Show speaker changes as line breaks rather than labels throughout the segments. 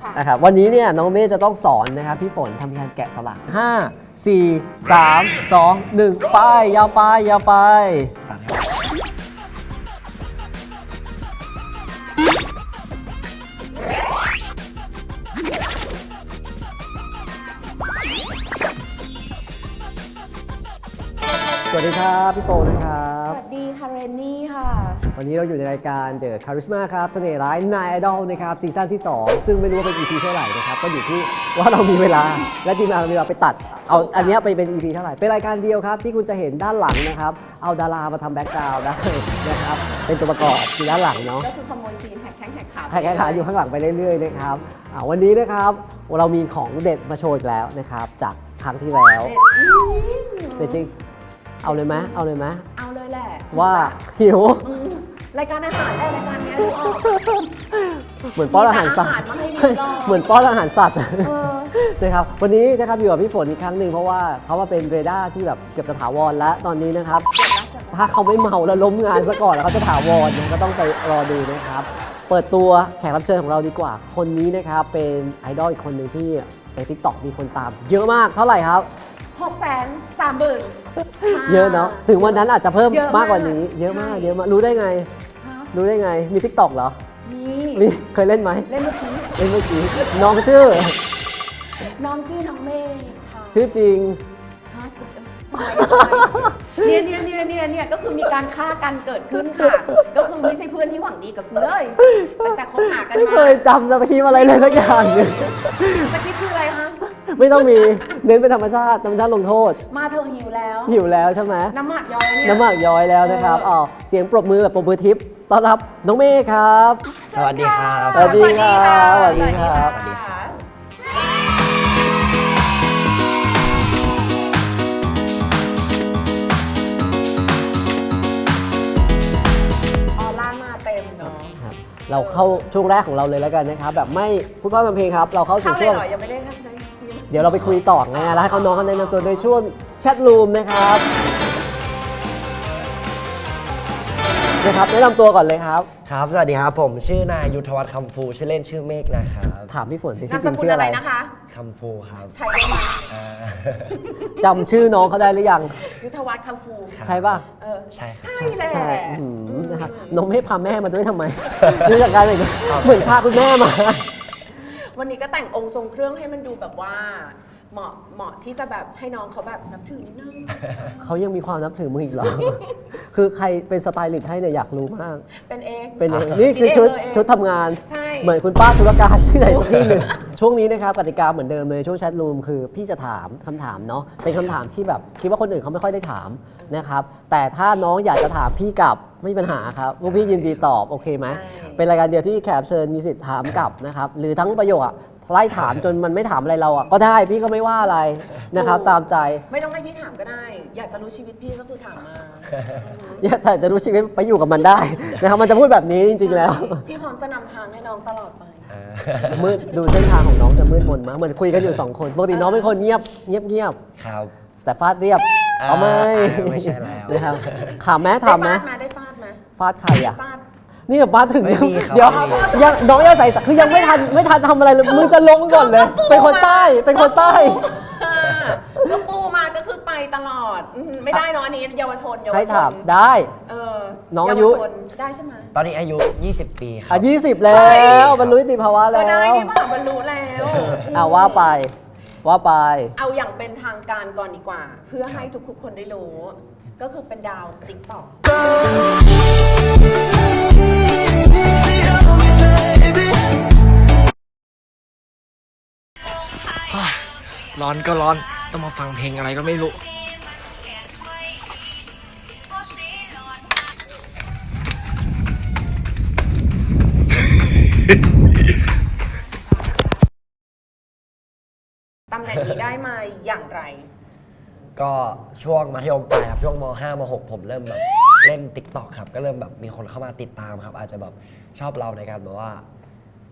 นะครับวันนี้เนี่ยน้องเมย์จะต้องสอนนะครับพี่ฝนทำการแกะสลัก5 4 3 2 1ไปยาวไปยาวไปสวัสดีครับพี่โปนะครับ
สวัสดีค่ะเรนนี่ค่ะ
วันนี้เราอยู่ในรายการ The Charisma ครับเสน่ห์ร้ายนายไอดอลนะครับซีซั่นที่ 2 ซึ่งไม่รู้ว่าเป็น EP เท่าไหร่นะครับก็อยู่ที่ว่าเรามีเวลาและทีมงานเรามีเวลาไปตัดเอาอันนี้ไปเป็น EP เท่าไหร่เป็นรายการเดียวครับที่คุณจะเห็นด้านหลังนะครับเอาดารามาทำแบ็กกราวด์ได้นะครับเป็นตัวประกอบอยู่ด้านหลังเนาะ
ก็คือขโมยซีนแหกแข้งแหกขา
แข่งขันอยู่ข้างหลังไปเรื่อยๆนะครับวันนี้นะครับเรามีของเด็ดมาโชว์อีกแล้วนะครับจากครั้งที่แล้วเด็ดจริงเอาเลยไหมเอาเลยไหม
เอาเลยแหละ
ว่าหิว
รายการอาหารรายการนี้ดูออก
เหมือนป้อนอาหารสัตว์
มีแต่อาหารมาให้ดูรอบ
เหมือนป้อนอาหารสัตว์
เออ
นะครับวันนี้นะครับอยู่กับพี่ฝนอีกครั้งหนึ่งเพราะว่าเขามาเป็นเรดาร์ที่แบบเกือบจะถาวรแล้วตอนนี้นะครับถ้าเขาไม่เมาแล้วล้มงานซะก่อนแล้วเขาจะถาวรนะก็ต้องไปรอดูนะครับเปิดตัวแขกรับเชิญของเราดีกว่าคนนี้นะครับเป็นไอดอลอีกคนหนึ่งที่ใน TikTok มีคนตามเยอะมากเท่าไหร่ครับ
630,000
เยอะเนาะถึงวันนั้นอาจจะเพิ่ม
เยอะมาก
มากกว่านี้เยอะมาก
ใช่
เยอะมากรู้ได้ไง
ฮะ
รู้ได้ไงมี TikTok เหรอ
มี
เคยเล่นไหม
เล่นเมื่อกี้
เล่นเมื่อกี้น้องชื่อ
น้องชื่อน้องเมย์ค่ะ
ชื่อจริง
ฮะเนี่ยก็คือมีการฆ่ากันเกิดขึ้นค่ะ ก็คือไม่ใช่เพื่อนที่หวังดีกับกูเลยตั้งแต่คบหากัน
ไม่
มา
เคยจำสคริปต์อะไรเลยสักอย่างหนึ่ง
สคริปต์คืออะไรคะ
ไม่ต้องมีเน้นเป็นธรรมชาติลงโทษ
มาเธอหิวแล้ว
หิวแล้วใช่ไหม
น้ำหมักย้อยเนี่ย
น้ำหมากย้อยแล้วนะครับ
เออ
เสียงปรบมือแบบปรบมือทิพย์ต้อนรับน้องเมฆครับ
สวัสดีครับ
สวัสดีครับ
สวัสดีค่ะ
สวัสดีครับ
ออร่ามาเต็มเนาะ
ครับเราเข้าช่วงแรกของเราเลยแล้วกันนะครับแบบไม่พูดพร่ำทำเพลงครับเราเข้าสู่
เข้าเล
ช่
ยว
ง
เหรอยังไม่ได้เข้าเลย
เดี๋ยวเราไปคุยต่อไงแล้วให้เขาน้องเขาแนะนำตัวในช่วงแชทรูมนะครับแนะนำตัวก่อนเลยครับ
ครับ สวัสดีครับ ผมชื่อนายยุทธวัฒน์คำฟู ชื่อเล่นชื่อเมฆนะครับ
ถามพี่ฝนที่
นา
ชื่
ม
อ
ส
จริง
กุล
ชื่อ
อะ
อะไร ไร
นะคะ
คำฟูครับ
ใช่ได้ไหม
อ่า
จำชื่อน้องเขาได้หรือยัง
ยุทธวัฒน์คำฟู
ครับ
ใช่ป่ะ
เออ
ใช่ครับ
ใช่แหละ
ใช่นะครับน้องไม่พาแม่มาด้วยทำไมดูจากการเลยเหมือนพาคุณแม่มา
วันนี้ก็แต่งองค์ทรงเครื่องให้มันดูแบบว่าเหมาะที่จะแบบให้น้องเขาแบบนับถือนิดนึง
เขายังมีความนับถือมึงอีกเหรอ คือใครเป็นสไตลิสต์ให้เนี่ยอยากรู้มาก
เป็นเอง
เป็นเองนี่คือชุดทำงาน
ใช่
เหมือนคุณป้าธุรการที่ไหนสักที่หนึ่ง ช่วงนี้นะครับกติกาเหมือนเดิมเลยช่วงแชทรูมคือพี่จะถามคำถามเนาะเป็นคำถามที่แบบคิดว่าคนอื่นเขาไม่ค่อยได้ถามนะครับแต่ถ้าน้องอยากจะถามพี่กลับไม่มีปัญหาครับพวกพี่ยินดีตอบโอเคไหมเป็นรายการเดียวที่แขกรับเชิญมีสิทธิ์ถามกลับนะครับหรือทั้งประโยคอะไล่ถามจนมันไม่ถามอะไรเราอ่ะก็ได้พี่ก็ไม่ว่าอะไรนะครับตามใจ
ไม่ต้องให้พี่ถามก็ได้ อยากจะรู้ชีวิตพี่ก็คือถามมา
อย่าแต่จะรู้ชีวิตไปอยู่กับมันได้นะครับมันจะพูดแบบนี้จริงๆแล้ว
พี่พร้อมจะนำทางให้น้องตลอดไป
อ่า
มืดดูเส้นทางของน้องจะมืดมนมากเหมือนคุยกันอยู่2คนปกติน้องเป็นคนเงียบ
ครับ
แต่ฟาดเรียบเอาไหม
ไม่ใช่แล้ว
นะครับถามไหมถามไหม
ได้ฟาดไหม
ฟาดใครอ่ะ
ฟาด
นี่แบบมาถึง
ไม่มีครับ
เดี๋ยว
ไม่มี
ยังน้องยังใส่คือยังไม่ทันทำอะไรเลยมึงจะลงก่อนเลย เป็นคนใต้เป็นคนใต้
ก็ปูมาก็คือไปตลอดไม่ได้เนาะอันนี้เยาวชน
ให้ถามได้
เออ
น้องอายุ
เวชนได้ใช่ไหม
ตอนนี้อายุ 20 ปีครับ
20 แล้วบรรลุนิติภาวะ
ก็
แล้
ได้
ว
ที่ว่าบรรลุแล้ว
ว่าไป
เอาอย่างเป็นทางการก่อนดีกว่า เพื่อให้ทุกคนได้รู้ ก็คือเป็นดาวติ๊กต็อก
ร้อนก็ร้อน ต้องมาฟังเพลงอะไรก็ไม่รู้
ตำแหน่งนี้ได้มาอย่างไร
ก็ช่วงมัธยมปลายครับช่วงม5ม6ผมเริ่มแบบเล่น TikTok ครับ ก็เริ่มแบบมีคนเข้ามาติดตามครับ อาจจะแบบชอบเราในการแบบว่า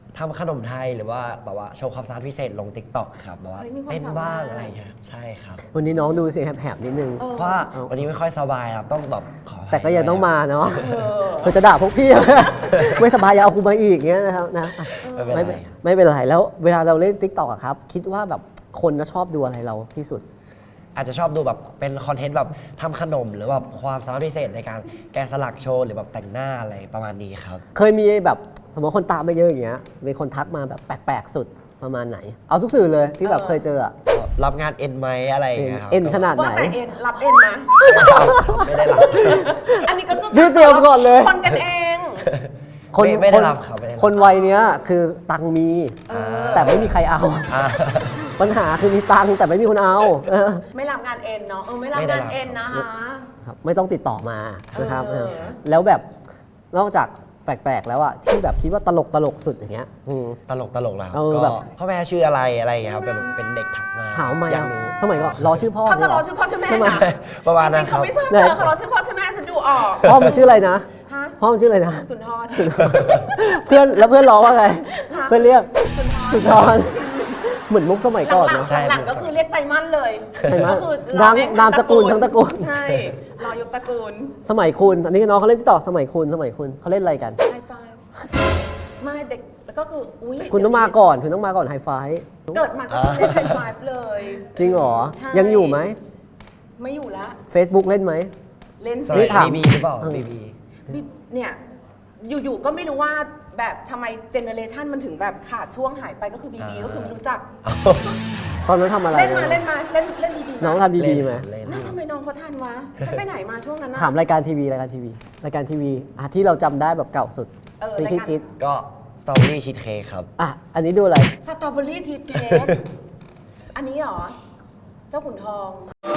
ทำขนมไทยหรือว่าแบบว่าโชว์ความสามารถพิเศษลง TikTok ครับแบบว่า
เฮ้ยมีความ
เต้น
สามารถ
บ้างอะไรอย่างเงี้ยใช่ครับ
วันนี้น้องดูเสียงแหบๆนิดนึง
เออ
เพราะว่าวันนี้ไม่ค่อยสบายครับต้องแบบขออภั
แต่ก็ยังต้องมาเนาะ
เออ
เธอจะด่าพวกพี่ ไม่สบายอย่าเอากูมาอีกเงี้ยนะครับนะ
ไม่เป็นไร
ไม่เป็นไรแล้วเวลาเราเล่น TikTok อะครับ คิดว่าแบบคนจะชอบดูอะไรเราที่สุด
อาจจะชอบดูแบบเป็นคอนเทนต์แบบทำขนมหรือแบบความสามารถพิเศษในการแกะสลักโชว์หรือแบบแต่งหน้าอะไรประมาณนี้ครับ
เคยมีแบบสมมติคนตามไม่เยอะอย่างเงี้ยมีคนทักมาแบบแปลกๆสุดประมาณไหน เอาทุกสื่อเลยที่แบบเคยเจออะ
รับงานเอ็นไหมอะไรอย่างเงี้ยครับ
เอ็นขนาด
ว่าแต่เอ็นรับเอ็นนะ
ไม่ได้รับ
อันนี้ก็คือ
นี่เตรียมก่อนเลย
คนกันเอง
ไม่ได้รับครับไม่ได้รับ
คนวัยเนี้ยคือตังค์มี
เออ
แต่ไม่มีใครเอา
อ่า
ปัญหาคือมีตังค์แต่ไม่มีคนเอา
ไม่รับงานเอ็นเนาะไม่รับ
ไม่ได้
งาน
รับ
เอ็นนะคะ
ครับไม่ต้องติดต่อมานะครับ
เออ
แล้วแบบนอกจากแปลกๆแล้วอะที่แบบคิดว่าตลกสุดอย่างเงี้ย
ตลกแล้ว
เออ
ก็
แบบ
พ่อแม่ชื่ออะไรอะไรอย่างเงี้ยครับแบบเป็นเด็กถักมา
หาวมา
อยากรู้
สมัยก่อนรอชื่อพ่อ
เขาจะรอ
นี่ย
ชื่อพ่อชื่อแม่
ใช่ไหม
นะ
ประมาณนั้น
จงๆ
ครั
เขา
บ
ไม่ทราบ
ไหน
เจอเขารอชื่อพ่อชื่อแม่ฉันดูออก
พ่อมันชื่ออะไรนะ
ฮะ
พ่อมันชื่ออะไรนะ
สุนทร
เพื่อนแล้วเพื่อนร้องว่าไง
ฮะ
เพื่อนเรียก
สุนทร
สุนทรเหมือนมุกสมัยก่อน
หลั
เนาะ
งๆหลังๆก็คือเรียกใจมั่นเลย
ใจมั่น
ก็คือ
นามสกุลทั้งตระกูล
ใช่รอยกตระกูล
สมัยคุณอันนี้น้องเขาเล่นที่ต่อสมัยคุณเขาเล่นอะไรกัน
ไฮไฟไม่เด็กแล้วก็คืออุ้ย
คุณต้องมาก่อนไฮไฟ
เกิดมาก็คือเล่นไฮไฟเลย
จริงเหรอ
ใช่
ยังอยู่ไหม
ไม่อยู่ละ
Facebook เล่นไหม
เล่น
ส
สิ
มัย
ถาม
บีบีหรือเปล่าบีบี
เนี่ยอยู่ๆก็ไม่รู้ว่าแบบทำไมเจเนอเรชันมันถึงแบบขาดช่วงหายไปก็คือบีบีก็คือไม่รู้จัก
ตอนนั้นทำอะไร
เล่นมาเล่นบีบี
น้องทำบีไหม
เล่น
นั่นทำไมน้องเขาทันวะฉันไปไหนมาช่วงนั้นนะ
ถามรายการทีวีที่เราจำได้แบบเก่าสุด
รายการ
คิด
ก็สตรอเบอรี่ชีสเค้กครับ
อ่ะอันนี้ดูอะไร
สตรอเบอรี่ชีสเค้กอันนี้เหรอ เจ้าขุนทอง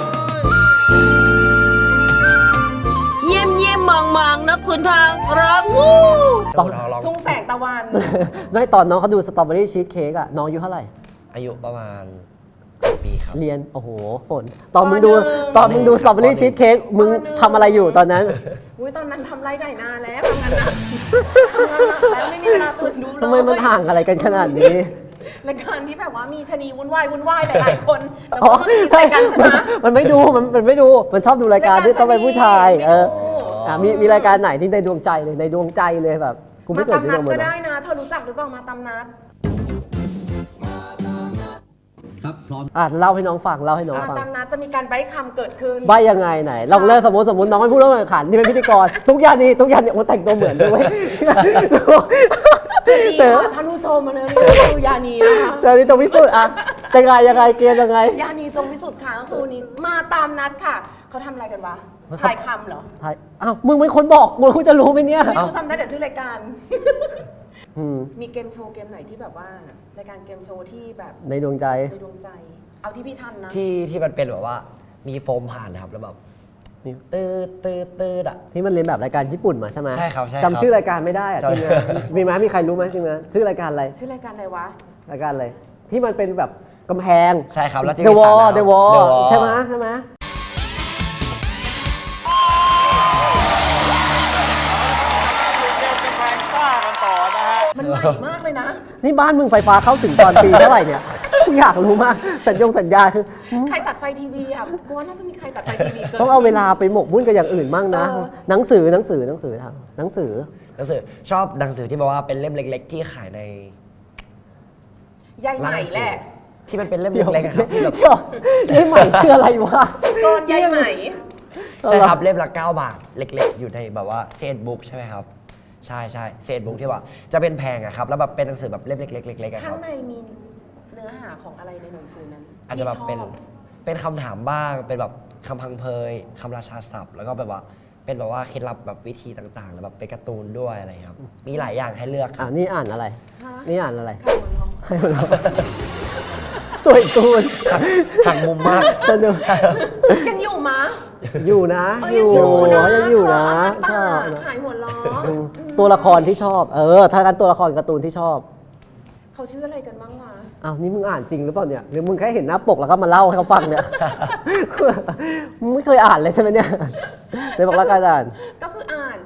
เยี่ยมเยี่ยมมองมองนะขุนทองร้องวู้
ตอน
เจ้าขุนทองร้อง
ทุ่งแสงตะวัน
ด้วยตอนน้องเขาดูสตรอเบอรี่ชีสเค้กอะน้องอายุเท่าไหร่
อายุประมาณปีครับ
เรียน โอ้โห ฝน ตอนมึงดู
ปหนึ่ง
สตรอเบอรี่ชีสเค้กมึง
ปหนึ่ง
ทำอะไรอยู่ตอนนั้น
อุ้ยตอนนั้นทำไรได้นานแล้วทำงานหนักแล้วไม่มีเวลาตื่นดูเลย
ทำไมมันห่างอะไรกันขนาดนี้
รายการที่แบบว่ามีชะนีวุ่นวายหลายๆคนแล้วก็มาตีใส่กันใช่ไหม
มันไม่ดู มันไม่ดู มันชอบดูรายการที่ต้องเป็นผู้ชาย
ไม่ดู
เอออ่ะมีรายการไหนที่ในดวงใจเลยแบบกูไม่
มา
เกิด
ตาม
ที่
นั
ด
ด
วงมื
ก็
อนะ
ได้นะ เธอรู้จักหรือเปล่ามาตามนัด
อ่ะเล่าให้น้องฟัง
มาตามนัดจะมีการใบ้คำเกิดขึ้น
ใบยังไงไหนลองเริ่มสมมติน้องไม่พูดเรื่องแข่งขันนี่เป็นพิธีกร ทุกอย่างนี่โอ้แต่งตัวเหมือนด้วย
สวัสดีค่ะท่านผู้ชมมาเลยคือยานีนะคะ
เดี๋ยวนี้ต้องพิสูจน์อ่ะยังไงเกมยังไง
ยานีจงพิสุทธิ์ค่ะก็คือวันนี้มาตามนัดค่ะ เขาทำอะไรกันวะถ่ายคำเหรอ
ไทยอ้าวมึงเป็นคนบอกมึงจะรู้ไหมเนี่ย
ไม่รู้จำได้เดี๋ยวชื่อรายการ
อืม
มีเกมโชว์เกมไหนที่แบบว่ารายการเกมโชว์ที่แบบ
ในดวงใจ
ในดวงใจ เอาที่พี่ทันนะ
ที่มันเป็นแบบว่ามีโฟมผ่านนะครับแล้วแบบ
นี่
ตืดอ่ะ
ที่มันเรียนแบบรายการญี่ปุ่นมาใช่ไหม
ใช่ครับใช่ครับ
จำชื่อรายการไม่ได้อะ
จำ
ทีมงานมีไหมมีใครรู้ไหมทีมงานชื่อรายการอะไร
ชื่อรายการอะไรวะ
รายการอะไรที่มันเป็นแบบกำแพง
ใช่ครับแล้วจะ
The
มี
Wall
สระน้ำ
The Wall
The Wall
ใช่ไหม
มันใหม่มากเลยนะ
นี่บ้านมึงไฟฟ้าเข้าถึงตอนปีเท่าไหร่เนี่ยกูอยากรู้มากสัญญาคือ
ใครตัดไฟทีวีอ่ะกูว่าน่าจะมีใครตัดไฟทีวีเกิน
ต้องเอาเวลาไปหมกมุ่นกับอย่างอื่นมั่งนะ
เออ
หนังสือทำหนังสือ
หนังสือชอบหนังสือที่แบบว่าเป็นเล่มเล็ก ๆ ที่ขายใน
ยายใหม่แหละ
ที่มันเป็นเล่มเล็กๆอะครับที่แบบ
เดี๋ยวนี่ใหม่คืออะไรวะ
กรยายใหม่
ใช่ครับเล่มละ9 บาทเล็ก ๆ อยู่ในแบบว่าเศษบุ๊กใช่ไหมครับใช่เศษบุ๊กที่ว่าจะเป็นแพงอะครับแล้วแบบเป็นหนังสือแบบเล่มเล็กๆเล็กๆอะค
ข้า
รั
ง
บ
ในมีเนื้อหาของอะไรในหนังสือนั้น
อาจจะแบบ
ที่ชอ
เป็นคำถามบ้างเป็นแบบคำพังเพยคำราชาศัพท์ แล้วก็แบบว่าเป็นแบบว่าเคล็ดลับแบบวิธีต่างๆแล้วแบบเป็นการ์ตูนด้วยอะไรครับมีหลายอย่างให้เลือกค
อ่า
รับ
นี่อ่านอะไร
ฮะ
นี่อ่านอะไร
ใครมันร้อง
ใครมันร้องตัวอีกตูน
หักมุมมาก
สนุก
ยังอยู่มะ
อยู่นะ
เออ
อยู่
ยังอยู่นะ
ชอบ
เธอ
นะ
ขายหัวล้อ
อืมตัวละครที่ชอบ ถ้ากันตัวละครการ์ตูนที่ชอบ
เขาชื่ออะไรกันบ้างวะ
อ้าวนี่มึงอ่านจริงหรือเปล่าเนี่ยหรือมึงแค่เห็นหน้าปกแล้วก็มาเล่าให้เขาฟังเนี่ย มึงไม่เคยอ่านเลยใช่ไหมเนี่ยเลยบอกแล้วกันอ่าน
ก็คืออ่าน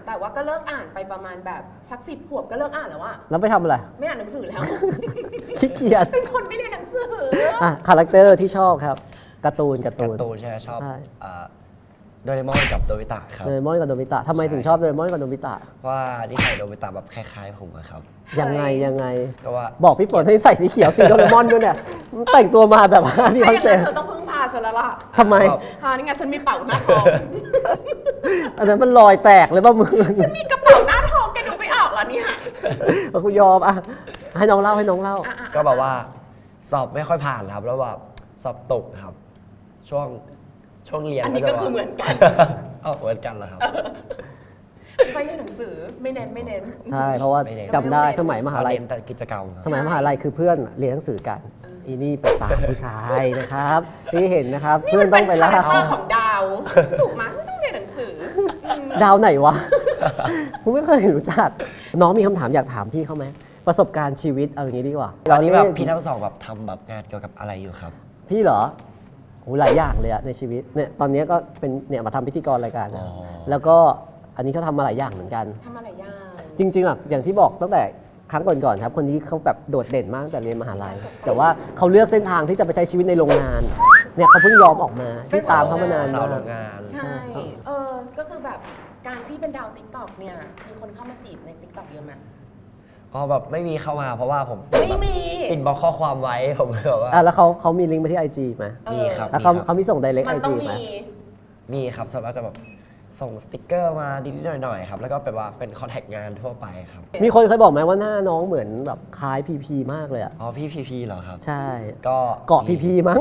แต่ว่าก็เลิกอ่านไปประมาณแบบสัก10 ขวบก็เลิกอ่านแล้วอะ
แล้วไปทำอะไร
ไม่อ่านหนังสือแล้ว
ขี้เกียจ
เป็นคนไม่เรียนหนังสือ
อ่ะคาแรคเตอร์ที่ชอบครับการ์ตูน
การ์ตูนใช่ไหมชอบ
ใช่
โดเรมอนกับโดบิตะครับ
โดเรมอนกับโนบิตะทำไมถึงชอบโดเรมอนกับโนบิตะ
เพราะว่านิสัยโดบิตะแบบคล้ายๆผมอะครับ
ยังไงยังไง
ก็ว่า
บอกพี่ฝนให้ใส่สีเขียวสีโดเรมอนด้วยเนี่ยมันแต่งตัวมาแบบว่ามีค
ถ้า
อน
อย่าง
เซ็ป
นั้น
ต์
เธอต้องพึ่งพาฉันแล้วล่ะ
ทำไม
หานี่ไงฉันมีเป๋าหน้าทอง
อันนั้นมันรอยแตกเลยป่ะมึง
ฉันมีกระเป๋าหน้าทองแกดูไม่ออกเหรอเนี่ย
กูยอมอ่ะให้น้องเล่าให้น้องเล่า
ก็แบบว่าสอบไม่ค่อยผ่านครับ แล้วแบบสอบตกครับ ช่วงเรียน
อันนี้ก็คือเหมือนกัน
เอาเหมือนกันเหรอครับ
ไม่เรียนหนังสือไม่เน้น
ใช่เพราะว่า
ไม่เน้น
จำได้สมัยมหาลัย
เรียนแต่กิจกรรมครับ
สมัยมหาลัยคือเพื่อนเรียนหนังสือกัน อีนี่ไปตามผู้ชายนะครับที่เห็นนะครับ
นี่
เพื่อน
มัน
ต้
เป็
อง
น
ไป
คา
ล่า
แรคเตอร์ของดาว ถูกไหมไม่ต้องเรียนหนังสืออืม
ดาวไหนวะ ผมไม่เคยรู้จัก น้องมีคำถามอยากถามพี่เขาไหมประสบการณ์ชีวิตเอาอย่างนี้ดีกว่า
ตอนนี้แบบ
เล่
พี่ทั้งสองแบบทำแบบงานเกี่ยวกับอะไรอยู่ครับ
พี่เหรอโหหลายอย่างเลยอะในชีวิตเนี่ยตอนนี้ก็เป็นเนี่ยมาทำพิธีกรรายการนะ
อ๋อ
แล้วก็อันนี้เขาทำมาหลายอย่างเหมือนกัน
ทำอะไรยาก
จริงๆอะอย่างที่บอกตั้งแต่ครั้งก่อนๆครับคนนี้เขาแบบโดดเด่นมากตั้งแต่เรียนมหาลัย แต่ว่าเขาเลือกเส้นทางที่จะไปใช้ชีวิตในโรงงานเนี่ยเขาเพิ่งยอมออกมาที่ตามเขามานาน
สาว
มา
โร
ก
งงาน
ใช่ ก็คือแบบการที่เป็นดาวติ๊กต็อกเนี่ย มีคนเข้ามาจีบในติ๊กต็อกเยอะไหม
อ๋อแบบไม่มีเข้ามาเพราะว่าผม
ไม่มี
ปิดบล็อกข้อความไว้ ผมเลยแบบว่า
อ่ะแล้วเขามีลิงก์ไปที่ IG ไหม
มีครับ
แล้วเขามีส่ง direct
มัน
IG
ต้อง
ไหม
มี
มีครับส่วนมากจะแบบส่งสติกเกอร์มานิดๆหน่อยๆครับ แล้วก็แบบว่าเป็นคอนแทคงานทั่วไปครับ
มีคนเคยบอกไหมว่าหน้าน้องเหมือนแบบคล้ายพีพีมากเลยอ่ะ
อ๋อพี่พีเหรอครับ
ใช่
ก็
เกาะพีพีมั้ง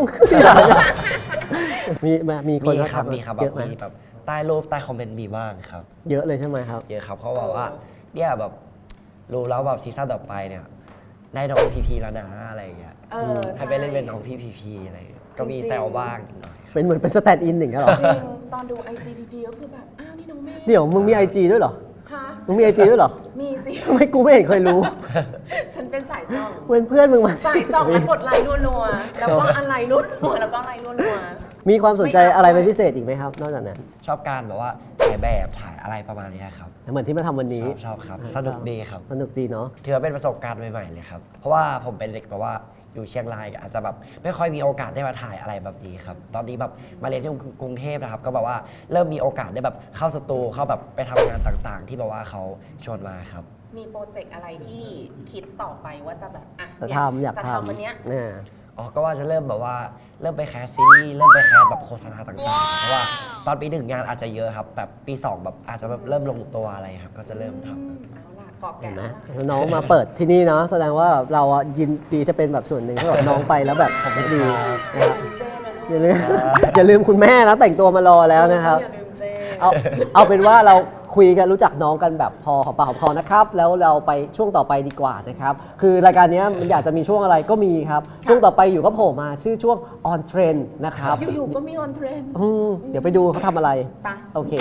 มีคน
มีครับ
ทัก
มีครับ
เยอะไหม
มีแบบใต้รูปใต้คอมเมนต์มีบ้างครับ
เยอะเลยใช่ไหมครับ
เยอะครับเขาบอกว่าเนี่ยแบบรู้แล้วแบบซีซั่นต่อไปเนี่ยได้น้องพีแล้วนะอะไรอย่างเงี้ย ให้ไปเล่นเป็นน้องพีอะไรอย่างเงี้ยก็มีแซวบ้างนิดหน่อยครับ
เป็นเหมือนเป็นสแตนด์อินอย่างเงี้ยเหรอ
จริง ตอนดู IGPP ก็คือแบบ อ้าว นี่น้องเมฆ
เดี๋ยวมึงมี IG ด้วยเหรอ
ฮะ
มึงมี IG ด้วยเหรอ
มีสิ
ทำไมกูไม่เห็นเคยรู้
ฉันเป็นสายส่อง
เพื่อนมึงมา
สายส่องแล้วกดไลค์รัวๆ แล้วก็อะไรรัวๆ แล้วก็อะไรรัว
มีความสนใจอะไรเป็นพิเศษอีกไหมครับ นอกจากนั้น
ชอบการแบบว่าถ่ายแบบถ่ายอะไรประมาณเนี้ยครับ
เหมือนที่มาทำวันนี้
ชอบครับสนุกดีครับ
สนุกดีเนาะ
ถือว่าเป็นประสบการณ์ใหม่ๆเลยครับ เพราะว่าผมเป็นเด็กแบบว่าอยู่เชียงรายอาจจะแบบไม่ค่อยมีโอกาสได้มาถ่ายอะไรแบบนี้ครับ ตอนนี้แบบมาเรียนที่กรุงเทพนะครับ ก็แบบว่าเริ่มมีโอกาสได้แบบเข้าสตูเข้าแบบไปทำงานต่างๆ ที่แบบว่าเขาชวนมาครับ
ๆ มีโปรเจกต์อะไรที่คิดต่อไปว่าจะแบบอ่ะ
จะ
เนี่ย
ทำอยาก
จะ
ท
ทำวันเนี้ย
ำเนี่ย
อ๋อ ก็ว่าจะเริ่มแบบว่าเริ่มไปแคสซีรีส์เริ่มไปแคสแบบโฆษณาต่างๆ เพราะว่าตอนปีหนึ่งงานอาจจะเยอะครับ แบบปีสองแบบอาจจะแบบเริ่มลงตัวอะไรครับ ก็จะเริ่มทำ
เอาล่ะเกาะ
เห็
แก่
นไหม
แล้ว
น้องมาเปิดที่นี่เนาะแสดงว่าเราอะยินดีจะเป็นแบบส่วนหนึ่งที่แบบน้องไปแล้วแบบดีนะครับ
เจ้นะ
อย่าลืม อย่าลืมคุณแม่นะแต่งตัวมารอแล้วนะครับ
อย่าลืมเจ้
เอาเป็นว่าเราคุยกันรู้จักน้องกันแบบพอหอมปากหอมคอนะครับ แล้วเราไปช่วงต่อไปดีกว่านะครับ คือรายการนี้มันอยากจะมีช่วงอะไรก็มีครับ ช่วงต่อไปอยู่ก็โผล่มาชื่อช่วง on trend นะครับ
อยู่ๆก็มีออนเทรนด์
เดี๋ยวไปดูเขาทำอะไร
ไป
โอเค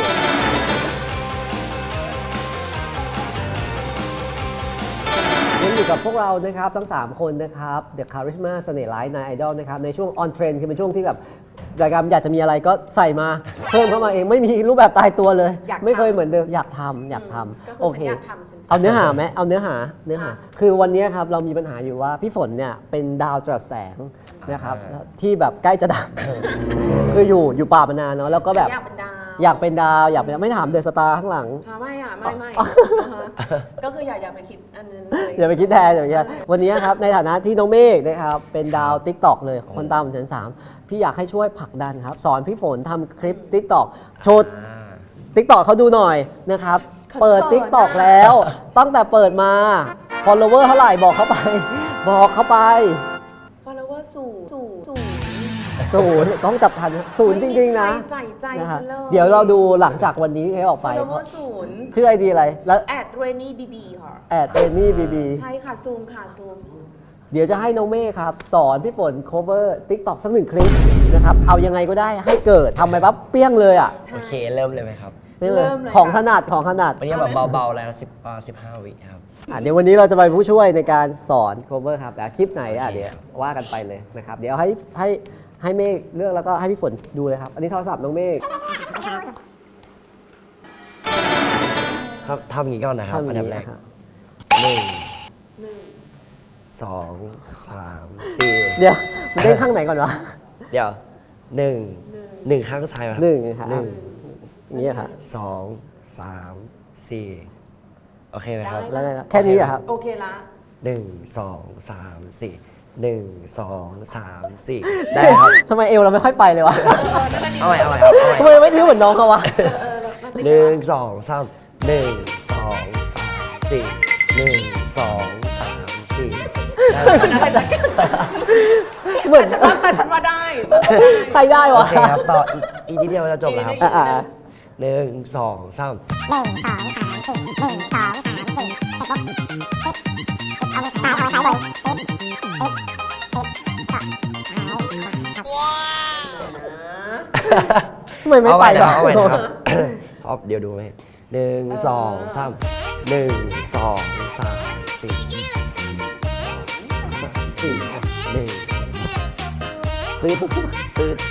ยังอยู่กับพวกเรานะครับทั้ง 3 คนนะครับ The Charisma เสน่ห์ร้ายนายไอดอลนะครับในช่วง on trend คือเป็นช่วงที่แบบรายการอยากจะมีอะไรก็ใส่มาเพิ่มเข้ามาเองไม่มีรูปแบบตายตัวเลย
อยากทำ
ไม่เคยเหมือนเดิมอยากทำอยากท
ก็
ำ
คื
โอ
อ
เค
ฉันอยากทำฉัน
เอาเนื้อหาไหมเอาเนื้อหาคือวันนี้ครับเรามีปัญหาอยู่ว่าพี่ฝนเนี่ยเป็นดาวจรัสแสงนะครับที่แบบใกล้จะดับ คืออยู่ป่ามานานเนาะแล้วก็แบบ
อยากเป็นดาว
อยากเป็นดาวอยากเป็นไม่ถามเดอะสตาร์ข้างหลัง
ไม่อ่ะไม่ก็คืออย่าไปคิดอันนั้นเลย
อย่าไปคิดแทนอย่าไปคิดแทนวันนี้ครับในฐานะที่น้องเมฆนะครับเป็นดาว t ิ k t o k เลยคนตาม1 3 0 0พี่อยากให้ช่วยผลักดันครับ สอนพี่ฝนทำคลิป t ิ k t o k โชว์ t ิ k t o k เขาดูหน่อยนะครับ เปิด t ิ k t o k แล้ว ตั้งแต่เปิดมา follower เท่าไหร่บอกเขาไป บอกเขาไป
follower สูง
ศูนย์ต้องจับทันศูนย์จริงๆนะ
ไม่มีใครใส่ใจ
นะครับ
ฉันเลย
เดี๋ยวเราดูหลังจากวันนี้ให้ออกไป
follower ศูนย์
ชื่อไอดีอะไรแล้ว
@rainybb ค่ะ
เรนนี่บีบี
ใช่ค่ะซูมค่ะซูม
เดี๋ยวจะให้น้องเมฆครับ สอนพี่ฝน cover TikTok สัก1 คลิปนะครับ เอายังไงก็ได้ให้เกิดทำไปปั๊บเปี้ยงเลยอ่ะ
โอเคเริ่มเลยไหมครับ
นี่เลย
เริ่มเลย
ของ
ค่ะ
ถนัดของถนัด
วันนี้แบบเบาๆแล้ว15 วิครับ
เดี๋ยววันนี้เราจะไปผู้ช่วยในการสอน cover ครับแต่คลิปไหน
โอเค
เดี๋ยวว่ากันไปเลยนะครับ เดี๋ยวให้เมฆเลือกแล้วก็ให้พี่ฝนดูเลยครับ อันนี้โทรศัพท์น้องเมฆ
ทำอย่างนี้ก่อนนะครับ
ทำอ
อัน
ย่าง
ดับ
นี้
แรก
ครับ
1 2 3 4
เดี๋ยวมันเด้งข้างไหนก่อนวะ
เดี๋ยว1ข้างซ้ายครับ
หนึ่งครับ
หนึ่ง
อย่างนี้ครับ
2 3 4 โอเคไหมครับ
แล้วไงครับแค่นี้เหรอครับ
โอเคละ
1 2 3 4 1 2 3 4 ได้ครับ
ทำไมเอวเราไม่ค่อยไปเลยวะ
เอาใหม่ครับ
ทำไมเราไม่ทิ้งเหมือนน้องเขาวะ
1 2 3 1 2 3 4 1 2 3 4
เหมือน
แต่ฉันว่าได้
ใครได้
โอ
วะ
เคครับต่ออีกนิดเดียวจะจบแล้วครับ
อ่า
1 2 3
ทำไมไม่
เอา
ไป
ใหม่นะ
วะ
เอาใหม่นะครับ ครับเดี๋ยวดูไหม1 2 3 1 2 3 4 1 ตื่น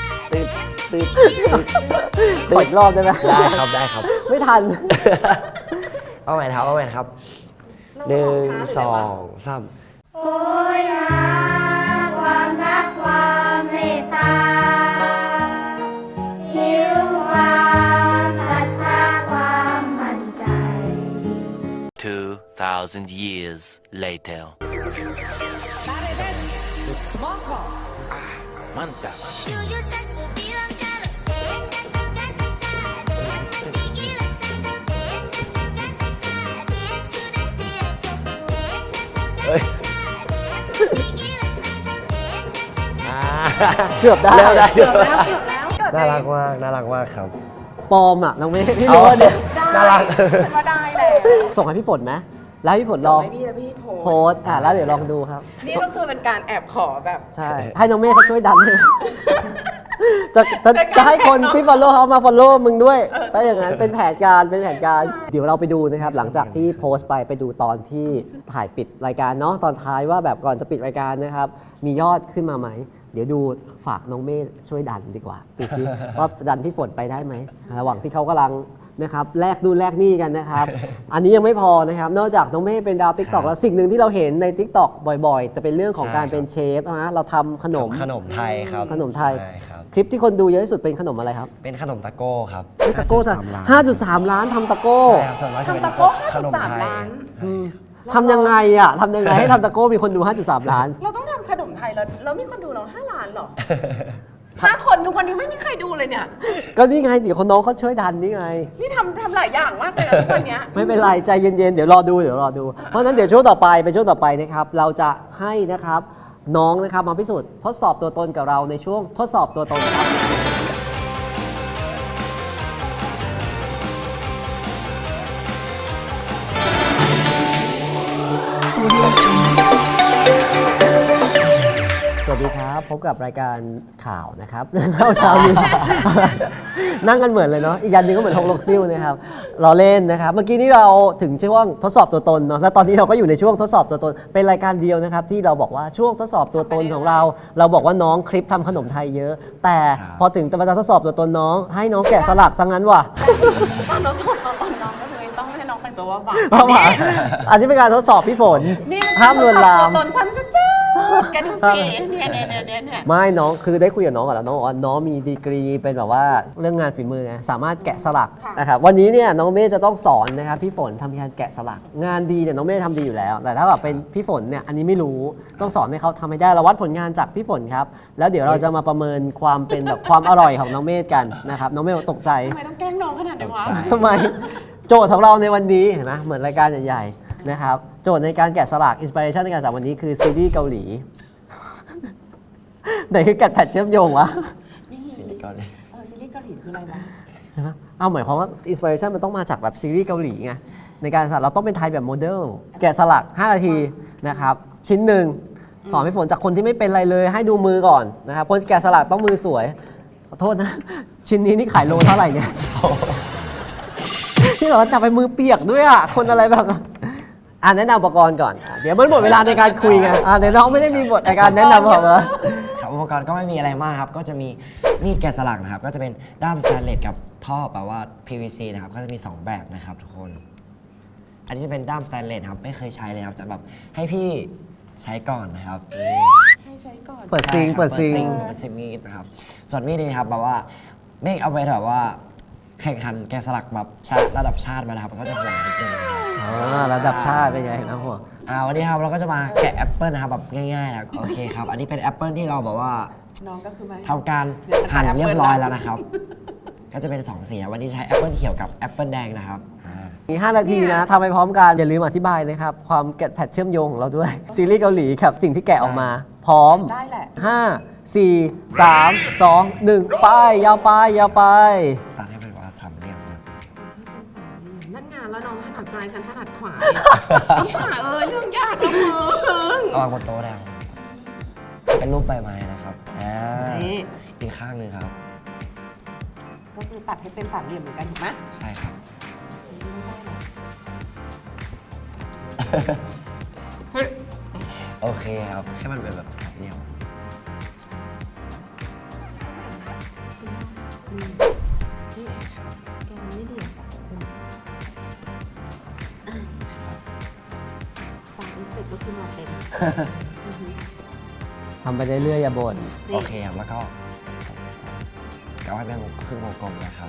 ขออีกรอบได้ไหม
ได้ครับได้ครับ
ไม่ทัน
เอาใหม่ครับ1 2 3
โอ้ยหาความรักความเมตตาหิวความศรัทธาความมั่นใจ
2,000 years later. Mantap.
เฮ้ยอ่า
เกือบได้
เร็วได้
เกือบแล้วเกือบแล้ว
น่ารักมากน่ารักมากครับ
ปลอมอ่ะน้องเมย์พี่รู้ว่าเนี่ย
น่ารัก
ฉันว่าได้แล้ว
ส่งให้พี่ฝนไหมแล้วให้พี่ฝนล
ส่
อง ง
ให้พี่และพี่โพ
โพสต์แล้วเดี๋ยวลองดูครับ
นี่ก็คือเป็นการแอบขอแบบ
ใช่ ให้น้องเมย์เขาช่วยดันให้จะ
เป็นการ
จะให้คน
แข่งเนอะ
ที่ follow เขามา follow มึงด้วย
เออ
ถ้าอย่างนั้นเป็นแผนการเป็นแผนการ เดี๋ยวเราไปดูนะครับ หลังจากที่โพสต์ไปดูตอนที่ถ่ายปิดรายการเนาะตอนท้ายว่าแบบก่อนจะปิดรายการนะครับ มียอดขึ้นมาไหม เดี๋ยวดูฝากน้องเมย์ช่วยดันดีกว่าดูซิ ว่าดันพี่ฝนไปได้ไหมระหว่างที่เขากำลังนะครับแลกดูแลกหนี้กันนะครับ อันนี้ยังไม่พอนะครับ นอกจากน้องเมย์เป็นดาวติ๊กต็อกแล้วสิ่งหนึ่งที่เราเห็นในติ๊กต็อกบ่อยๆ จะเป็นเรื่องของการเป็นเชฟนะเราทำขนม
ขนมไทยครับ
ขนมไทย
ใช่ครับ
คลิปที่คนดูเยอะที่สุดเป็นขนมอะไรครับ
เป็นขนมตะโก้ครับ
ตะโก้สั 5.3 ล้านทำตะโก้
ใช่ครับส่วนมากจะเป็น
ทำตะโก้
ขนมไทย
5.3 ล้าน
อืมทำยังไงอ่ะทำยังไงให้ทำตะโก้มีคนดู 5.3 ล้าน
เราต้องทำขนมไทยแล้วมีคนดูเรา5 ล้านเหรอ 5 คนทุกวันนี้ไม่มีใครดูเลยเนี่ย
ก็นี่ไงเดี๋ยวคนน้องเขาช่วยดันนี่ไง
นี่ทำหลายอย่างมากเลยนะทุกวันเนี้ย
ไม่เป็นไรใจเย็นๆ เดี๋ยวรอดู เพราะฉะนั้นเดี๋ยวช่วงต่อไปเป็นช่วงต่อไปนะครับ เราจะให้นะครับน้องนะครับมาพิสูจน์ทดสอบตัวตนกับเราในช่วงทดสอบตัวตนครับ สวัสดีครับ พบกับรายการข่าวนะครับ เข้าเช้านี้ นั่งกันเหมือนเลยเนาะอีกยันหนึงก็เหมือนฮกลกซิ่วนะครับเราเล่นนะครับ เมื่อกี้นี้เราถึงช่วงทดสอบตัวตนเนาะแล้วตอนนี้เราก็อยู่ในช่วงทดสอบตัวตน เป็นรายการเดียวนะครับ ที่เราบอกว่าช่วงทดสอบตัวตนของเรา เราบอกว่าน้องคลิปทำขนมไทยเยอะ แต่
ครับ
พอถึงตอนทดสอบตัวตนน้อง ให้น้องแกะสลักซะงั้นว่ะ
การทดสอบตัวตนน้องก็เลยต้องให้น้องแต่งตัวว่าหวาน
เพราะว่าอันนี้เป็นการทดสอบพี่ฝน
นี่มัน
ห้ามลวนลาม
ทดสอบตัวตนฉันจะเจ้าแกดูสิเนี่ย
ไม่น้องคือได้คุยกับน้องก่อนแล้วน้องบอกว่าน้องมีดีกรีเป็นแบบว่าเรื่องงานฝีมือไงสามารถแกะสลักนะครับวันนี้เนี่ยน้องเมย์จะต้องสอนนะครับพี่ฝนทำการแกะสลัก งานดีเนี่ยน้องเมย์ทำดีอยู่แล้ว แต่ถ้าแบบเป็นพี่ฝนเนี่ยอันนี้ไม่รู้ต้องสอนให้เขาทำให้ได้เราวัดผลงานจากพี่ฝนครับแล้วเดี๋ยวเราจะมาประเมินความเป็นแบบความอร่อยของน้องเมย์กันนะครับน้องเมย์ตกใจ
ทำไมต้องแกล้งน้องขนาดนี้วะ
ทำไมโจทย์ของเราในวันนี้เห็นไหมเหมือนรายการใหญ่ๆนะครับโจทย์ในการแกะสลักอินสปิเรชันในการสอนวันนี้คือซีรีส์เกาหลี ไหนคือกัดแพทเชื่อมโยงวะ
ไม่มี
ซีรีส์เกาหลี
ซีรีส์เกาหลีคืออะไรวะ
เอาหมายความว่าอินสปิเรชันมันต้องมาจากแบบซีรีส์เกาหลีไงในการสลักเราต้องเป็นไทยแบบโมเดลแกะสลัก 5 นาทีนะครับชิ้นหนึ่งสอนให้ฝนจากคนที่ไม่เป็นอะไรเลยให้ดูมือก่อนนะครับคนแกะสลักต้องมือสวยขอโทษนะ ชิ้นนี้นี่ขายโลเท่าไหร่เนี่ย ที่เราจับไปมือเปียกด้วยอ่ะคนอะไรแบบนั้นแนะนำอุปกรณ์ก่อนเดี๋ยวมันหมดเวลาในการคุยไงเดี๋ยวน้องไม่ได้มีบทในการแนะนำหรอกเหรอ
ครับอุปกรณ์ก็ไม่มีอะไรมากครับ ก็จะมีมีดแกะสลักนะครับ ก็จะเป็นด้ามสแตนเลสกับท่อแปลว่า PVC นะครับ ก็จะมี 2 แบบนะครับทุกคนอันนี้จะเป็นด้ามสแตนเลสครับไม่เคยใช้เลยครับจะแบบให้พี่ใช้ก่อนนะครับ
ให้ใช้ก่อน
เปิดซิง
ใช่ครับ
เปิดซิง
เปิดซิงมีดนะครับส่วนมีดนี่ครับแบบว่าไม่เอาไปแบบว่าแข่งขันแกะสลักแบบระดับชาติมานะครับมันก็จะห่วงนิดนึงนะครับ
ระดับชาติเป็นไงนะหัว
วันนี้ครับเราก็จะมาแกะแอปเปิลนะครับแบบง่ายๆนะโอเคครับอันนี้เป็นแอปเปิลที่เราแบบว่า
น้องก็คือไม่
ทำการหั่นเรียบร้อยแล้วนะครับ ก็จะเป็น2สีนะวันนี้ใช้แอปเปิลเขียวกับแอปเปิลแดงนะครับ
อีก5 นาทีนะทำไปพร้อมกัน อย่าลืมอธิบายนะครับ ความแกะแพทเชื่อมโยงของเราด้วย ซีรีส์เกาหลีครับสิ่งที่แกะออกมา พร้อม
ได้แหละ
5 4 3 2 1 ไป ยาวไป ยาวไป
ตัดให้เป็นว่าสามเหลี่ยมนะ
นั่นงานแล้วน้องถนัดซ้ายฉันถนัดขวาเรื่องยากนะมึง
เอาวางบนโต๊ะแล้วเป็นรูปใบไม้นะครับอีกข้างหนึ่งครับ
ก็คือตัดให้เป็นสามเหลี่ยมเหมือนกันถูกไหม
ใช่ครับ โอเคครับให้มันเป็นแบบสามเหลี่ยม ครับ
แกมันไม่เดียวสามอิฟเฟกต์ก็คือมาเต็ม
ทำไปเรื่อยๆอย่าบ่น
โอเคครับแล้วก็เอาให้เป็นครึ่งวงกลมนะครับ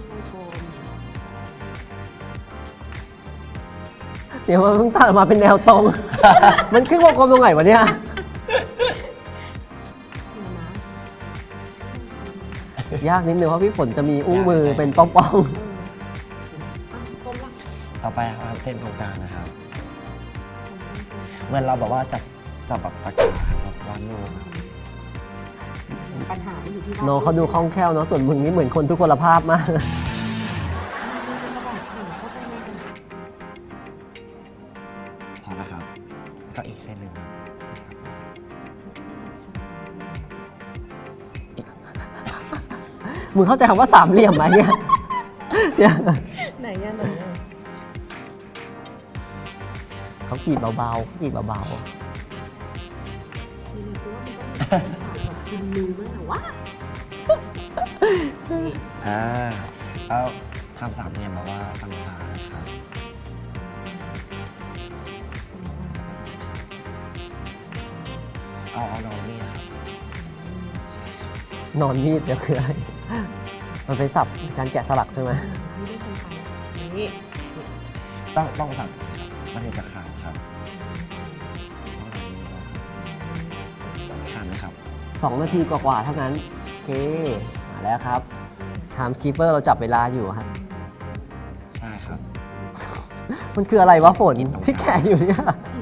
เดี๋ยวมันเพิ่งตัดออกมาเป็นแนวตรง มันครึ่งวงกลมตรงไหนวะเนี่ย ยากนิดนึงเพราะพี่ฝนจะมีอุ้งมือเป็นป้อง
กลมละ
ต่อไปเราทำเส้นตรงกลางนะครับ เหมือนเราแบบว่าจับแบบปากกาครับวาดรูปครับ
ปัญหามันอยู่ที่
ๆน้องเขาดูคล่องแคล่วเนาะส่วนมึงนี่เหมือนคนทุกพลภาพมาก
พอแล้วครับ แล้วก็อีกเส้นหนึ่งครับเป็นสามเหลี่ยม
มึงเข้าใจคำว่าสามเหลี่ยมไหมเนี่ย เนี่ย
ไหนเนี่ยไหนเนี่ย
เขากรีดเบาๆกรีดเบา
กินมือมั้งเหรอวะ
แล้วทำสามเหลี่ยมแบบว่าต่างๆนะครับ เอานอนนี่นะครับ ใช่ครับ
ๆนอนมีดเดี๋ยวคืออะไร มันเป็นศัพท์การแกะสลักใช่ไหม
นี่
ต้องสับมันถึงจะขาดครับต้องทำนี้นะครับขาดไหมครับ
2 นาทีกว่าๆเท่านั้น โอเค มาแล้วครับไทม์คีเปอร์เราจับเวลาอยู่ครับ
ใช่ครับ
มันคืออะไรวะฝน
กินตรงกลาง
ที่แกะอยู่เนี่ย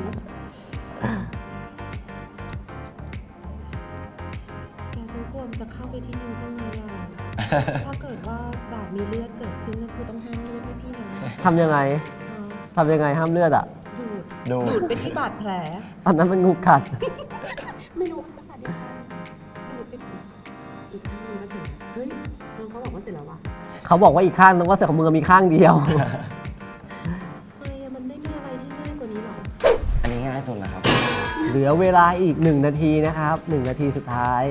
แกฉันกลัวมันจะเข้าไปที่นิ้วจังเลยอ่ะ ถ้าเกิดว่าแบบมีเลือดเกิดขึ้นก็คือต้องห้ามเลือดให้พี่นะ
ทำยังไง
อ่า
ทำยังไงห้ามเลือดอ่ะ
ดูด
ดู
ดูดไปที่บาดแผล
อันนั้นมันงูกัด
ไม่รู้ภาษาเดียวกันดูดไปอีกข้างนึงก็เสร็จเฮ้ยน้องเขาบอกว่าเสร็จแล้ววะ
เขาบอกว่าอีกข้างนึงว่าเสือของมึงมีข้างเดียว
ทำไมอะมันไม่มีอะไรที่ง่ายกว่านี้หรอ
อันนี้ง่ายสุดแล้วครับ
เหลือเวลาอีก 1 นาทีนะครับ 1 นาทีสุดท้าย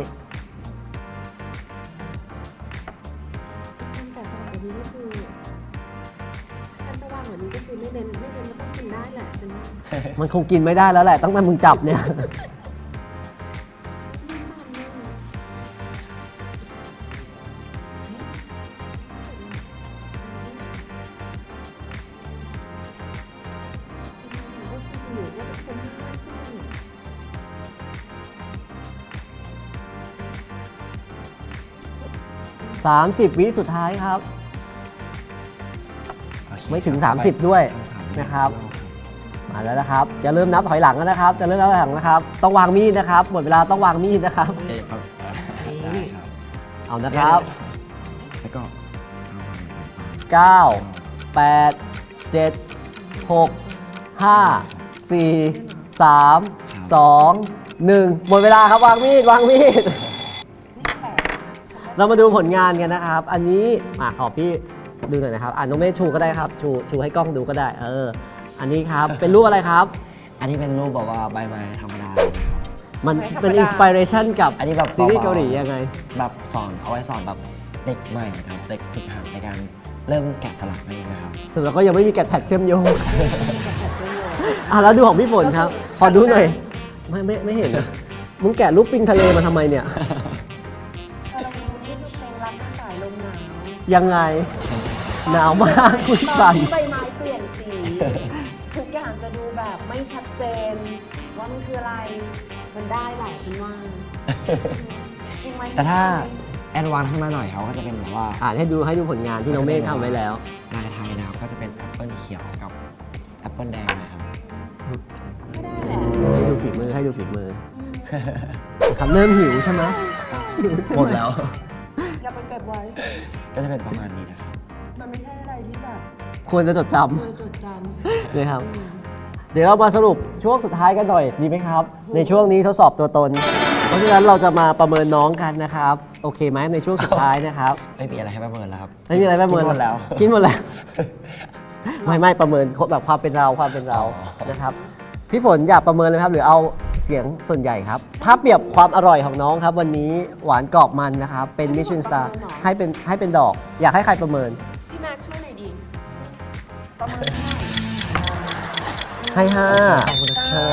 การแกะสลักแบบนี้ก็คือฉันจะวางแบบนี้ก็คือไม่เน้นก็ต้องกินได้แหละฉันว่า
มันคงกินไม่ได้แล้วแหละตั้งแต่มึงจับเนี่ย
ไม่ทราบเลยก็คืออยู่ว่าเป็นคนที่ง่ายขึ้น
30 วิสุดท้ายครับ
โอเค
ไม่ถึง
ต่อไป
30 ด้วย
ทำสามเหลี่ยม
นะครับ มาแล้วนะครับ จะเริ่มนับถอยหลังแล้วนะครับ จะเริ่มนับถอยหลังนะครับ ต้องวางมีดนะครับ หมดเวลาต้องวางมีดนะครับ
โอเคครับได้ครับ
เอานะครับ
แล้วก็เอาสามเหลี่ยมต่าง
9 8 7 6 5 4 3 2 1 หมดเวลาครับวางมีดวางมีด เรามาดูผลงานกันนะครับ อันนี้ขอพี่ดูหน่อยนะครับน้องเมฆชูก็ได้ครับ ชูให้กล้องดูก็ได้ อันนี้ครับ เป็นรูปอะไรครับ
อันนี้เป็นรูปแบบว่าใบไม้ธรรมดาเลยนะครับ
มันเป็นอินสปิเรชันกับ
อันนี้แบบ
ซีรีส์เกาหลียังไง
แบบสอนเอาไว้สอนแบบเด็กใหม่ครับเด็กฝึกหัดในการเริ่มแกะสลักนั่นเองนะครับ
แต่เราก็ยังไม่มีแกะแพดเชื่อมโยงแล้วดูของพี่ฝนครับ ขอดูหน่อย ไม่เห็นนะมึงแกะรูปปิงทะเลมาทำไมเนี่ย
นี่คือเพลงรักสายลมหนาว
ยังไง หนาวมากคุณ
ตอ
สั
น
น
ที่ใบไม้เปลี่ยนสี ทุกอย่างจะดูแบบไม่ชัดเจน ว่ามันคืออะไร มันได้แหละฉันว่า จริงไหม
แต่ถ้าแอดวานซ์ขึ้นมาหน่อยเขาก็จะเป็นแบบว่า
อ่านให้ดูผลงานที่น้องเมฆทำไว้แล้ว
ลายไทยนะครับก็จะเป็นแอปเปิลเขียวกับแอปเปิลแดงนะครับ
ก็ได้แหละ
ให้ดูฝีมือครับเริ่มหิวใช่ไหมหิวใช่ไห
หมดแล้ว
อย่าไปเก็บไว้
ก็จะเป็นประมาณนี้นะครับ
มันไม่ใช่อะไรที่แบบ
ควรจะจดจ
เคยจดจ
ำเลยครับ เดี๋ยวเรามาสรุปช่วงสุดท้ายกันหน่อยดีไหมครับ ในช่วงนี้ทดสอบตัวตน เพราะฉะนั้นเราจะมาประเมินน้องกันนะครับ โอเคไหมในช่วงสุดท้ายนะครับ
ไม่มีอะไรให้ประเมินแล้วครับ
ไม่มีอะไรประเมิน
กินหมดแล้ว
กินหมดแล้ว ไม่ประเมินแบบความเป็นเรานะครับ พี่ฝนอยากประเมินเลยครับ หรือเอาเสียงส่วนใหญ่ครับ ถ้าเปรียบความอร่อยของน้องครับ วันนี้หวานกรอบมันนะครับ เป็นมิชลินสตาร์ให้เป็นดอก อยากให้ใครประเมิน
ำพี่แม็กซ์ช่วยหน่อยดิ ประเมินเท่าไหร่
ให้ห้า
เห็นนะเพราะฉะ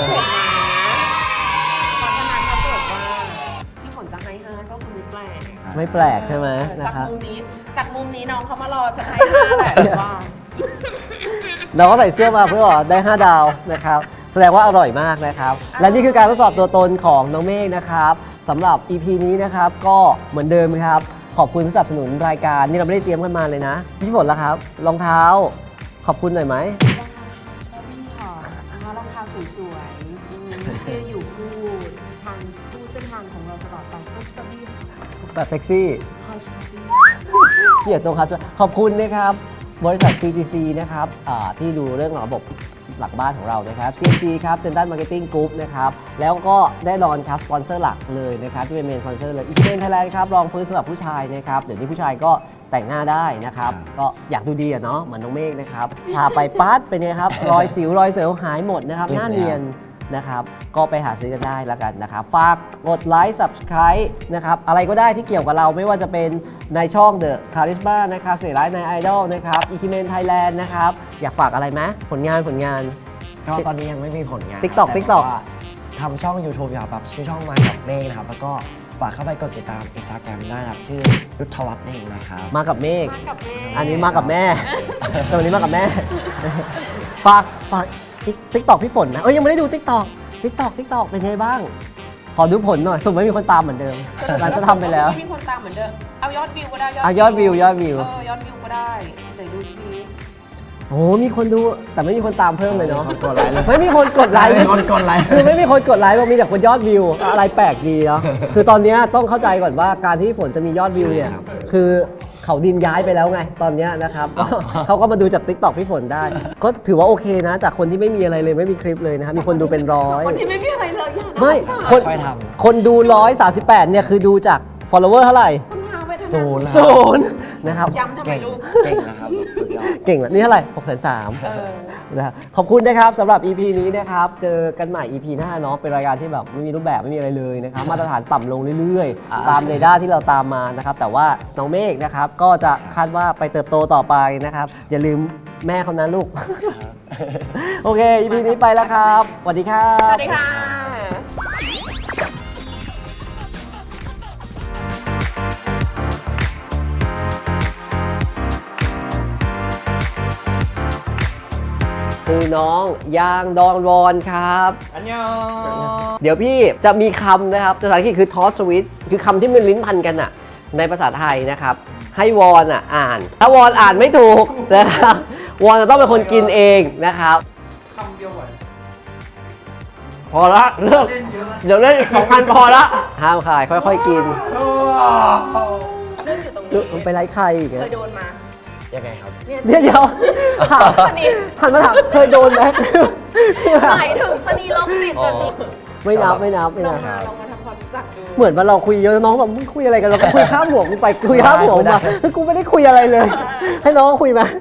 นั้นถ้าเกิดว่าพี่ฝนจะให้5ก็คือไม่แปลก
ไม่แปลกใช่ไหมนะ
จาก
ครับ
มุมนี้น้องเขามารอฉันให้5แหละว่า
เราก็ใส่เสื้อมาเพื่อบอกได้ 5 ดาวนะครับ แสดงว่าอร่อยมากนะครับ และนี่คือการทดสอบตัวตนของน้องเมฆนะครับสำหรับ EP นี้นะครับก็เหมือนเดิมครับ ขอบคุณผู้สนับสนุนรายการนี่เราไม่ได้เตรียมกันมาเลยนะ พี่ฝนล่ะครับรองเท้า ขอบคุณหน่อยไหม
รองเท้าชอบพี่ค่ะรองเท้าสวยๆที่อยู่คู่ทางคู่เส้นทางของเราตลอดไปก็ชอบพี่ค่ะ
แบบเซ็กซี่
ชอบพี่
เกียรติตรงครับขอบคุณนะครับบริษัท CTC นะครับที่ดูเรื่องระบบหลักบ้านของเรานะครับ CMG ครับ Central Marketing Group นะครับแล้วก็แน่นอนครับสปอนเซอร์หลักเลยนะครับที่เป็นเมนสปอนเซอร์เลยอีกเป็นไทยแลนด์ครับรองพื้นสำหรับผู้ชายนะครับเดี๋ยวนี้ผู้ชายก็แต่งหน้าได้นะครับก็อยากดูดีอะเนาะเหมือนน้องเมฆนะครับทาไปปั๊ดเป็นไงครับรอยสิวรอยเซลล์หายหมดนะครับหน้าเนียนนะครับก็ไปหาซื้อกันได้แล้วกันนะครับฝากกดไลค์ Subscribe นะครับอะไรก็ได้ที่เกี่ยวกับเราไม่ว่าจะเป็นในช่อง The Charisma นะครับเสียร้ายใน Idol นะครับอีคิเมนไทยแลนด์นะครับอยากฝากอะไรไหมผลงาน
ก็ตอนนี้ยังไม่มีผลงาน
TikTok
แต่
TikTok
ว่าทำช่อง YouTube อยู่ครับแบบชื่อช่องมากับเมฆนะครับ แล้วก็ฝากเข้าไปกดติดตาม Instagram ได้นะครับ ชื่อยุทธวัฒน์นั่นเองนะครับ
มากับเมฆ
มากับแม่
อันนี้มากับแม่ ตัวนี้มากับแม่ ฝากติ๊กตอกพี่ฝนนะยังไม่ได้ดูติ๊กตอกเป็นไงบ้าง ขอดูผลหน่อยสมมติไม่มีคนตามเหมือนเดิมหลังจะทำไปแล้ว
ไม่มีคนตามเหมือนเดิม เอายอดวิวก็ได้
ยอดวิว
ยอดวิวก็ได้เดี๋ยวดูซิ
โอ้มีคนดูแต่ไม่มีคนตามเพิ่มเลยเนาะ
ไม่มีคนกดไลค์เลย
ไม่มีคนกดไลค์
ไม่มีคนกดไลค์
คือไม่มีคนกดไลค์บอกมีแต่คนยอดวิวอะไรแปลกดีเนาะคือตอนเนี้ยต้องเข้าใจก่อนว่าการที่ฝนจะมียอดวิวเนี่ย
ใช่ครับ
คือเขาดินย้ายไปแล้วไงตอนเนี้ยนะครับ เขาก็มาดูจาก TikTok พี่ฝนได้ ก็ถือว่าโอเคนะ จากคนที่ไม่มีอะไรเลยไม่มีคลิปเลยนะครับมีคนดูเป็นร้อย
คนที่ไม่มีอะไรเลยอย่านะ
ไม่
สงสาร
คน
ค่อยทำ
คนดู 138 เนี่ยคือดูจาก follower เท่าไหร่
คุณพาไปทำ
ศูนย์แล้ว
ศูนย์นะครับ
ย้ำทำไม
เก่ง
ลูก
เก่งนะครับ สุดยอด
เก่งแล้วนี่เท่าไหร่603นะครับขอบคุณนะครับสำหรับ EP นี้นะครับ เจอกันใหม่ EP หน้าเนาะเป็นรายการที่แบบไม่มีรูปแบบไม่มีอะไรเลยนะครับ มาตรฐานต่ำลงเรื่อยๆ ตามเรดาร์ที่เราตามมานะครับ แต่ว่าน้องเมฆนะครับ ก็จะคาดว่าไปเติบโตต่อไปนะครับ อย่าลืมแม่เขานะลูก โอเค EP นี้ไปแล้วครับสวัสดีครั
ส
บ
วัสดีค่ะ
คือน้องยางดองวอนครับ
อันยอง
เดี๋ยวพี่จะมีคำนะครับภาษาอังกฤษคือ toss switch คือคำที่มันลิ้นพันกันอะในภาษาไทยนะครับ ให้วอนอ่าน ถ้าวอนอ่านไม่ถูกนะครับ วอนจะต้องเป็นคนกินเองนะครับ
คำเดียวก่อน
พอละเลิก
เล่นเยอะ
เดี๋ยวเล่น2,000พอละห้ามขายค่อยๆกิน
เรื่องอยู่ตรง
ดู
นี้
มันไปไล่ใครอีก
เค
อะ
ยโดนมา
ยังไงครับ
เดี๋ยวถาม
สนิท
หันมาถามเคยโดนไหมที่แบบ
หมายถึงสนีโรคติดแบบนี้
ไม่นับ
ลองมาทำความรู้จักดู
เหมือนว่าเราคุยเยอะน้องแบบมึงคุยอะไรกันเราก็คุยข้ามหัวกูไปคุยข้ามหัวมาคือกูไม่ได้คุยอะไรเลย ให้น้องคุยมา